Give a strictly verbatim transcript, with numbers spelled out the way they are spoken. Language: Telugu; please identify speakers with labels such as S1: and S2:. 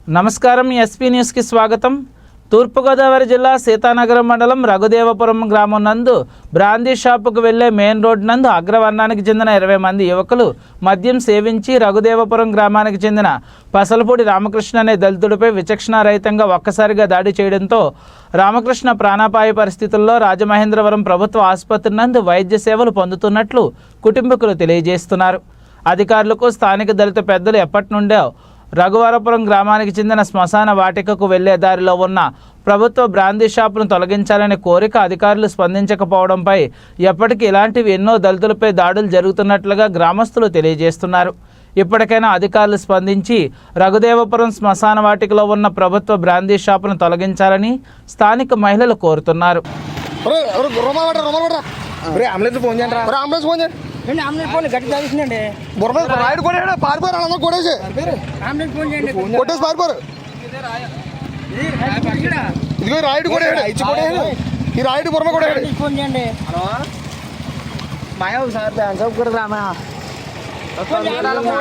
S1: నమస్కారం ఎస్పీ న్యూస్కి స్వాగతం. తూర్పుగోదావరి జిల్లా సీతానగరం మండలం రఘుదేవపురం గ్రామం నందు బ్రాందీ షాపుకు వెళ్లే మెయిన్ రోడ్ నందు అగ్రవర్ణానికి చెందిన ఇరవై మంది యువకులు మద్యం సేవించి రఘుదేవపురం గ్రామానికి చెందిన పసలపూడి రామకృష్ణ అనే దళితుడిపై విచక్షణారహితంగా ఒక్కసారిగా దాడి చేయడంతో రామకృష్ణ ప్రాణాపాయ పరిస్థితుల్లో రాజమహేంద్రవరం ప్రభుత్వ ఆసుపత్రి నందు వైద్య సేవలు పొందుతున్నట్లు కుటుంబీకులు తెలియజేస్తున్నారు. అధికారులకు స్థానిక దళిత పెద్దలు ఎప్పటి నుండో రఘువరపురం గ్రామానికి చెందిన శ్మశాన వాటికకు వెళ్లే దారిలో ఉన్న ప్రభుత్వ బ్రాందీ షాపును తొలగించాలనే కోరిక అధికారులు స్పందించకపోవడంపై ఎప్పటికీ ఇలాంటివి ఎన్నో దళితులపై దాడులు జరుగుతున్నట్లుగా గ్రామస్తులు తెలియజేస్తున్నారు. ఇప్పటికైనా అధికారులు స్పందించి రఘుదేవపురం శ్మశాన వాటికలో ఉన్న ప్రభుత్వ బ్రాందీ షాపును తొలగించాలని స్థానిక మహిళలు కోరుతున్నారు.
S2: గట్టి తాగిస్తుందండి రాయుడు కూడా పారిపోయారు అందరూ కొట్టేసి అంబులెన్స్ ఫోన్ చేయండి కొట్టేసి పారిపోరు. ఇదిగో రాయుడు కూడా ఇచ్చి కొట్టేసి ఈ రాయుడు బుర్మ కూడా ఫోన్ చేయండి. హలో మాయా సార్ కూడా రామా